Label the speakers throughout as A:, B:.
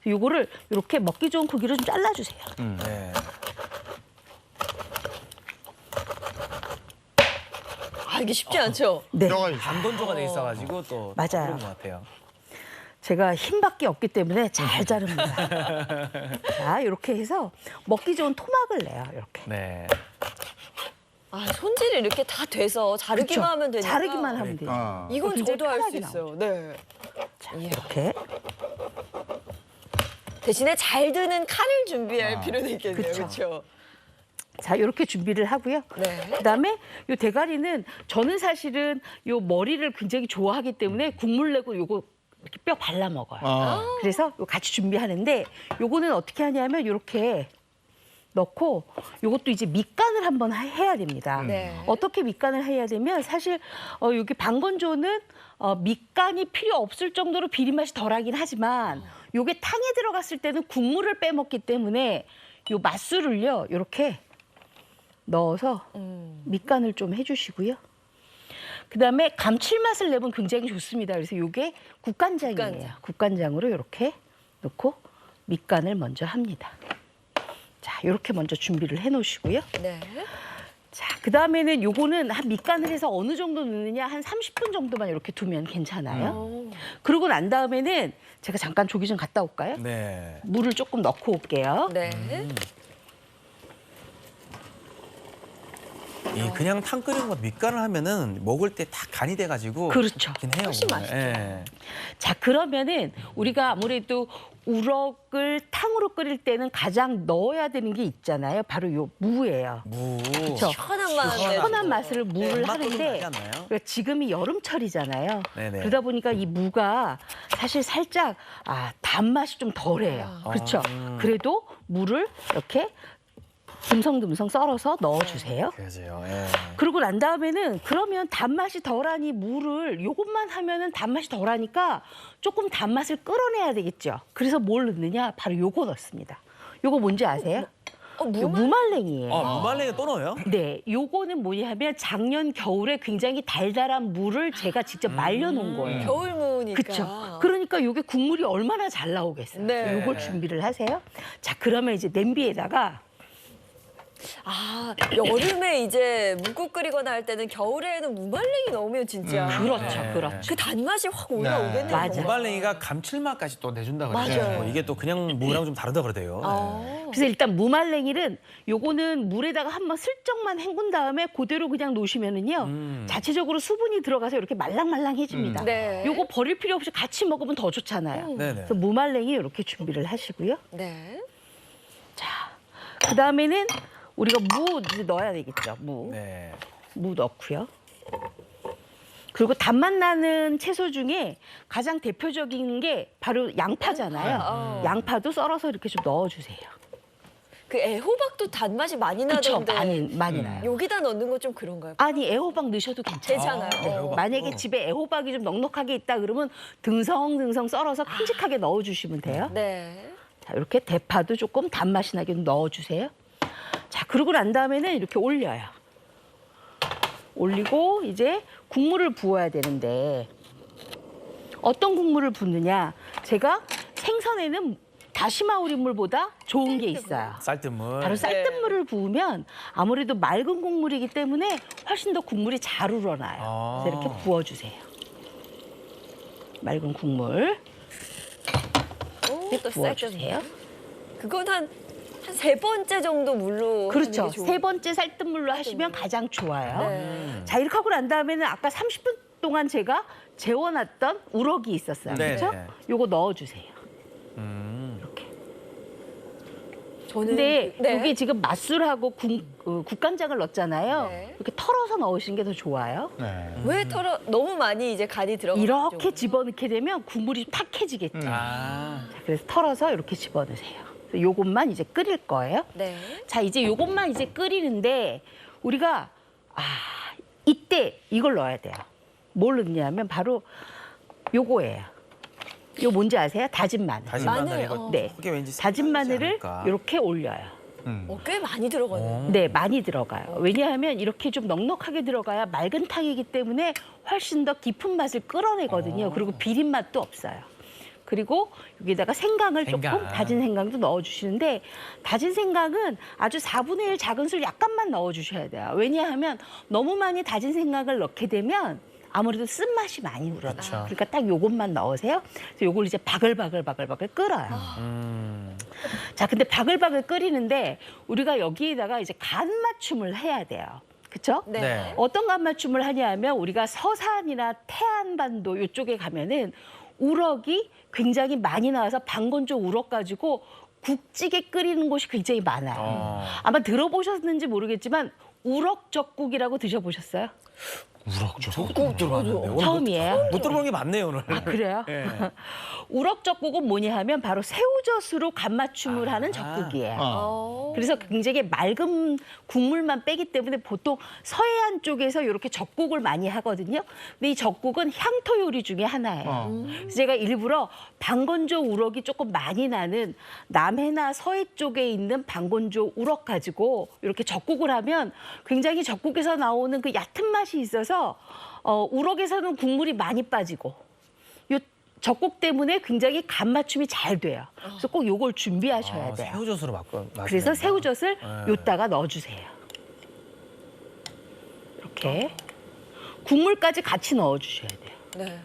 A: 요거를 이렇게 먹기 좋은 크기로 좀 잘라주세요.
B: 네.
C: 아, 이게 쉽지 않죠?
A: 네.
B: 반건조가 돼 있어가지고 또
A: 맞아요.
B: 그런 것 같아요.
A: 제가 힘밖에 없기 때문에 잘 자릅니다. 자, 이렇게 해서 먹기 좋은 토막을 내요. 이렇게.
B: 네.
C: 아, 손질이 이렇게 다 돼서 자르기만
A: 그쵸?
C: 하면 되니까.
A: 자르기만 하면 돼요.
C: 이건
A: 굉장히
C: 저도 할 수
A: 편하게
C: 있어요. 네.
A: 자, 이렇게.
C: 대신에 잘 드는 칼을 준비할 필요도 있겠네요.
A: 그쵸.
C: 그렇죠?
A: 자, 이렇게 준비를 하고요.
C: 네.
A: 그다음에 요 대가리는 저는 사실은 요 머리를 굉장히 좋아하기 때문에 국물 내고 요거 이렇게 뼈 발라 먹어요. 그래서 요 같이 준비하는데 요거는 어떻게 하냐면 요렇게 넣고 요것도 이제 밑간을 한번 해야 됩니다.
C: 네.
A: 어떻게 밑간을 해야 되면 사실 여기 방건조는 밑간이 필요 없을 정도로 비린 맛이 덜하긴 하지만 요게 탕에 들어갔을 때는 국물을 빼먹기 때문에 요 맛술을요 요렇게 넣어서 밑간을 좀 해주시고요. 그다음에 감칠맛을 내면 굉장히 좋습니다. 그래서 요게 국간장이에요. 국간장으로 이렇게 넣고 밑간을 먼저 합니다. 자, 이렇게 먼저 준비를 해놓으시고요.
C: 네.
A: 자, 그다음에는 요거는 한 밑간을 해서 어느 정도 넣느냐 한 30분 정도만 이렇게 두면 괜찮아요. 그러고 난 다음에는 제가 잠깐 조기 좀 갔다 올까요?
B: 네.
A: 물을 조금 넣고 올게요.
C: 네.
B: 이 그냥 탕 끓이는 것 밑간을 하면은 먹을 때 다 간이 돼가지고
A: 그렇죠.
B: 좋긴 해요.
C: 훨씬
B: 정말.
C: 맛있죠.
B: 예.
A: 자, 그러면은 우리가 아무래도 우럭을 탕으로 끓일 때는 가장 넣어야 되는 게 있잖아요. 바로 요 무예요.
B: 무.
A: 그렇죠.
C: 시원한 맛.
A: 시원한 맛을 무를
B: 맛도 좀 나지
A: 하는데
B: 않나요?
A: 그러니까 지금이 여름철이잖아요.
B: 네네.
A: 그러다 보니까 이 무가 사실 살짝 단맛이 좀 덜해요. 그렇죠. 그래도 무를 이렇게 듬성듬성 썰어서 넣어주세요.
B: 그러세요. 예.
A: 그러고 난 다음에는 그러면 단맛이 덜하니 무를 요것만 하면은 단맛이 덜하니까 조금 단맛을 끌어내야 되겠죠. 그래서 뭘 넣느냐? 바로 요거 넣습니다. 요거 뭔지 아세요? 요 무말랭이에요.
B: 무말랭이 또 넣어요?
A: 네, 요거는 뭐냐면 작년 겨울에 굉장히 달달한 무를 제가 직접 말려놓은 거예요.
C: 겨울무니까.
A: 그렇죠. 그러니까 요게 국물이 얼마나 잘 나오겠어요.
C: 네.
A: 요걸 준비를 하세요. 자, 그러면 이제 냄비에다가
C: 아, 여름에 이제 묵국 끓이거나 할 때는 겨울에는 무말랭이 넣으면 진짜
A: 그렇죠,
B: 네.
A: 그렇죠.
C: 그 단맛이 확 올라오겠네요.
A: 맞아.
C: 정말.
B: 무말랭이가 감칠맛까지 또 내준다 그러죠.
C: 맞아요.
B: 이게 또 그냥 무랑 좀 다르다 그러대요.
A: 그래서 일단 무말랭이는 요거는 물에다가 한번 슬쩍만 헹군 다음에 그대로 그냥 놓으시면은요 자체적으로 수분이 들어가서 이렇게 말랑말랑해집니다.
C: 네.
A: 요거 버릴 필요 없이 같이 먹으면 더 좋잖아요.
B: 네네.
A: 그래서 무말랭이 이렇게 준비를 하시고요.
C: 네.
A: 자, 그 다음에는 우리가 무 이제 넣어야 되겠죠. 무
B: 네.
A: 넣고요. 그리고 단맛 나는 채소 중에 가장 대표적인 게 바로 양파잖아요. 양파도 썰어서 이렇게 좀 넣어주세요.
C: 그 애호박도 단맛이 많이
A: 그렇죠.
C: 나던데
A: 많이 나요.
C: 여기다 넣는 건 좀 그런가요?
A: 아니, 애호박 넣으셔도 괜찮아요.
C: 괜찮아요.
B: 애호박.
A: 만약에 집에 애호박이 좀 넉넉하게 있다 그러면 등성등성 썰어서 큼직하게 넣어주시면 돼요.
C: 네.
A: 자, 이렇게 대파도 조금 단맛이 나게 좀 넣어주세요. 자, 그러고 난 다음에는 이렇게 올려요. 올리고 이제 국물을 부어야 되는데 어떤 국물을 붓느냐? 제가 생선에는 다시마 우린물보다 좋은 게 있어요.
B: 쌀뜨물.
A: 바로 쌀뜨물을 부으면 아무래도 맑은 국물이기 때문에 훨씬 더 국물이 잘 우러나요. 그래서 이렇게 부어주세요. 맑은 국물
C: 또
A: 부어주세요.
C: 그건 한 세 번째 정도 물로
A: 그렇죠.
C: 하는 게 좋은-
A: 세 번째 쌀뜨물로 하시면 가장 좋아요.
C: 네.
A: 자, 이렇게 하고 난 다음에는 아까 30분 동안 제가 재워놨던 우럭이 있었어요.
B: 네.
A: 그렇죠? 요거 넣어주세요. 이렇게.
C: 저는
A: 근데
C: 네.
A: 이게 지금 맛술하고 국간장을 넣었잖아요.
C: 네.
A: 이렇게 털어서 넣으시는 게 더 좋아요.
C: 왜 털어 너무 많이 이제 간이 들어가
A: 이렇게 집어넣게 되면 국물이 탁해지겠죠.
B: 아.
A: 자, 그래서 털어서 이렇게 집어넣으세요. 그래서 요것만 이제 끓일 거예요.
C: 네.
A: 자, 이제 요것만 이제 끓이는데 우리가 이때 이걸 넣어야 돼요. 뭘 넣냐면 바로 요거예요. 요 뭔지 아세요? 다진 마늘.
B: 다진
C: 마늘,
B: 마늘 이거
A: 네.
B: 그게 왠지
A: 다진
B: 색다르지
A: 마늘을
B: 않을까?
A: 이렇게 올려요.
C: 꽤 많이 들어가네요.
A: 네, 많이 들어가요. 왜냐하면 이렇게 좀 넉넉하게 들어가야 맑은 탕이기 때문에 훨씬 더 깊은 맛을 끌어내거든요. 그리고 비린 맛도 없어요. 그리고 여기다가 생강을 조금
B: 생강.
A: 다진 생강도 넣어주시는데 다진 생강은 아주 4분의 1 작은 술 약간만 넣어주셔야 돼요. 왜냐하면 너무 많이 다진 생강을 넣게 되면 아무래도 쓴맛이 많이 우러나요.
B: 그렇죠.
A: 그러니까 딱 요것만 넣으세요. 그래서 요걸 이제 바글바글 끓어요. 자, 근데 바글바글 끓이는데 우리가 여기에다가 이제 간 맞춤을 해야 돼요. 그렇죠?
C: 네.
B: 네.
A: 어떤 간 맞춤을 하냐면 우리가 서산이나 태안반도 이쪽에 가면은 우럭이 굉장히 많이 나와서 방건조 우럭 가지고 국찌개 끓이는 곳이 굉장히 많아요. 아마 들어보셨는지 모르겠지만 우럭젓국이라고 드셔보셨어요?
B: 꼭 들어봤는데 오늘
A: 처음이에요.
B: 못 들어본 게 많네요 오늘.
A: 아, 그래요?
B: 예.
A: 우럭젓국은 뭐냐 하면 바로 새우젓으로 간 맞춤을 하는 젓국이에요.
C: 어.
A: 그래서 굉장히 맑은 국물만 빼기 때문에 보통 서해안 쪽에서 이렇게 젓국을 많이 하거든요. 근데 이 젓국은 향토 요리 중에 하나예요. 그래서 제가 일부러 방건조 우럭이 조금 많이 나는 남해나 서해 쪽에 있는 방건조 우럭 가지고 이렇게 젓국을 하면 굉장히 젓국에서 나오는 그 얕은 맛이 있어서 우럭에서는 국물이 많이 빠지고 요 젓국 때문에 굉장히 간 맞춤이 잘 돼요. 그래서 꼭 요걸 준비하셔야 돼요.
B: 새우젓으로
A: 그래서 새우젓을
B: 네.
A: 요따가 넣어주세요. 이렇게 국물까지 같이 넣어주셔야 돼요.
C: 네.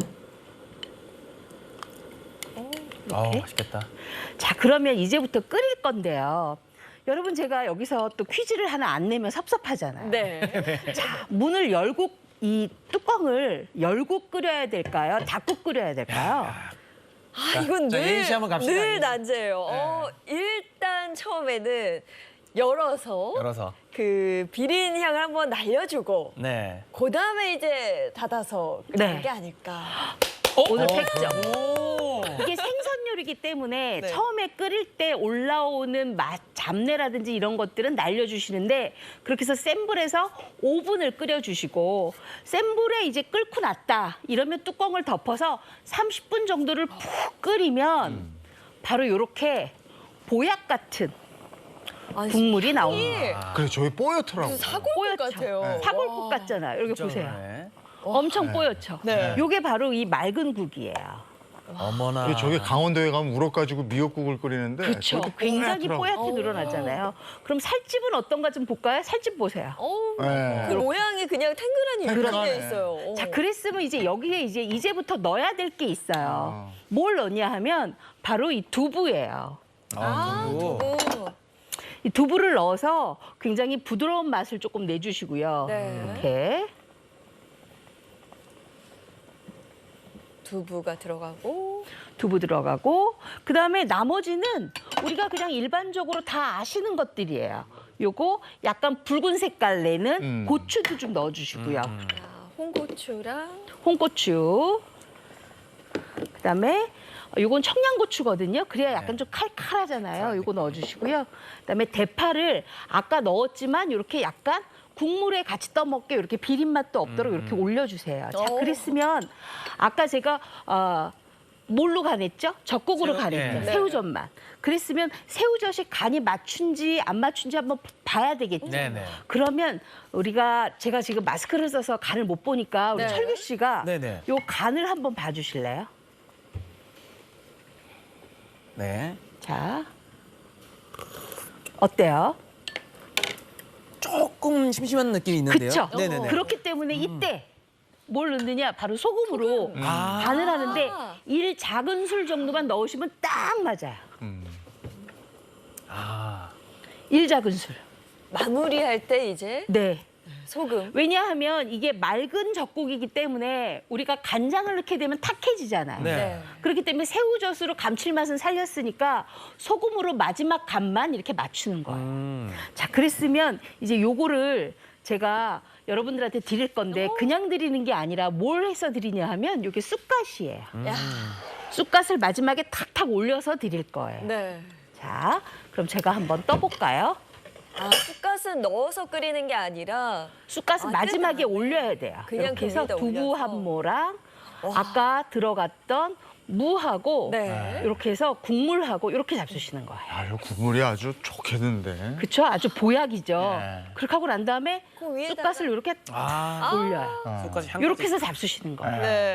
A: 이렇게.
B: 맛있겠다.
A: 자, 그러면 이제부터 끓일 건데요. 여러분, 제가 여기서 또 퀴즈를 하나 안 내면 섭섭하잖아요.
C: 네.
A: 자, 문을 열고 이 뚜껑을 열고 끓여야 될까요? 닫고 끓여야 될까요?
C: 아, 이건
B: 자, 예인 씨 한번 갑시다.
C: 늘
B: 예인 씨.
C: 난제예요. 일단 처음에는 열어서 그 비린 향을 한번 날려주고
B: 네.
C: 그다음에 이제 닫아서 끓이는
A: 네.
C: 게 아닐까.
A: 오늘 팩점.
B: 오.
A: 이게 생선 요리이기 때문에
C: 네.
A: 처음에 끓일 때 올라오는 맛, 잡내라든지 이런 것들은 날려주시는데 그렇게 해서 센 불에서 5분을 끓여주시고 센 불에 이제 끓고 났다 이러면 뚜껑을 덮어서 30분 정도를 푹 끓이면 바로 이렇게 보약 같은
C: 아니,
A: 국물이 나옵니다.
C: 향이
D: 그래 저희 뽀얗더라고.
C: 무슨 사골국
A: 뽀얗죠?
C: 같아요.
A: 사골국
C: 와.
A: 같잖아요. 여기 보세요.
B: 네.
A: 엄청 뽀얗죠?
C: 네.
A: 요게 바로 이 맑은 국이에요.
B: 어머나.
D: 근데 저기 강원도에 가면 우럭 가지고 미역국을 끓이는데
A: 그렇죠.
D: 저도
A: 굉장히
D: 뽀얗더라고.
A: 뽀얗게 늘어나잖아요. 그럼 살집은 어떤가 좀 볼까요? 살집 보세요.
C: 어우,
D: 네.
C: 그 모양이 그냥 탱글하니
D: 탱글하네.
C: 유지되어 있어요.
A: 자, 그랬으면 이제 여기에 이제부터 넣어야 될 게 있어요. 뭘 넣냐 하면 바로 이 두부예요.
C: 두부.
A: 이 두부를 넣어서 굉장히 부드러운 맛을 조금 내주시고요.
C: 네.
A: 이렇게
C: 두부가 들어가고.
A: 두부 들어가고 그다음에 나머지는 우리가 그냥 일반적으로 다 아시는 것들이에요. 요거 약간 붉은 색깔 내는 고추도 좀 넣어주시고요.
C: 자, 홍고추랑
A: 홍고추. 그다음에 요건 청양고추거든요. 그래야 약간 좀 칼칼하잖아요. 요거 넣어주시고요. 그다음에 대파를 아까 넣었지만 이렇게 약간 국물에 같이 떠먹게 이렇게 비린 맛도 없도록 이렇게 올려주세요. 자,
C: 오.
A: 그랬으면 아까 제가 뭘로 간했죠? 젓국으로 간했죠.
B: 네.
A: 새우젓만. 그랬으면 새우젓이 간이 맞춘지 안 맞춘지 한번 봐야 되겠죠.
B: 네네.
A: 그러면 제가 지금 마스크를 써서 간을 못 보니까 우리
C: 네.
A: 철규 씨가
B: 네네.
A: 요 간을 한번 봐주실래요?
B: 네.
A: 자, 어때요?
B: 조금 심심한 느낌이 있는데요.
A: 그렇죠.
B: 네네네.
A: 그렇기 때문에 이때 뭘 넣느냐? 바로 소금으로 간을 하는데
C: 아.
A: 1 작은 술 정도만 넣으시면 딱 맞아요.
B: 아.
A: 1 작은 술.
C: 마무리할 때 이제
A: 네.
C: 소금.
A: 왜냐하면 이게 맑은 젓국이기 때문에 우리가 간장을 넣게 되면 탁해지잖아요.
B: 네.
A: 그렇기 때문에 새우젓으로 감칠맛은 살렸으니까 소금으로 마지막 간만 이렇게 맞추는 거예요. 자, 그랬으면 이제 요거를 제가 여러분들한테 드릴 건데 그냥 드리는 게 아니라 뭘 해서 드리냐 하면 이게 쑥갓이에요.
C: 야,
A: 쑥갓을 마지막에 탁탁 올려서 드릴 거예요.
C: 네.
A: 자, 그럼 제가 한번 떠볼까요?
C: 아, 쑥갓은 넣어서 끓이는 게 아니라
A: 쑥갓은
C: 아,
A: 마지막에
C: 뜯어내네.
A: 올려야 돼요.
C: 그냥
A: 이렇게 해서
C: 거기다
A: 두부
C: 올려서.
A: 한 모랑 아까 들어갔던 무하고
C: 네.
A: 이렇게 해서 국물하고 이렇게 잡수시는 거예요.
D: 아, 이 국물이 아주 좋겠는데.
A: 그렇죠? 아주 보약이죠.
D: 네.
A: 그렇게 하고 난 다음에
C: 그 위에다가.
A: 쑥갓을 이렇게
B: 아.
A: 올려요.
B: 쑥갓이 향.
A: 이렇게 해서 잡수시는 거예요.
C: 네.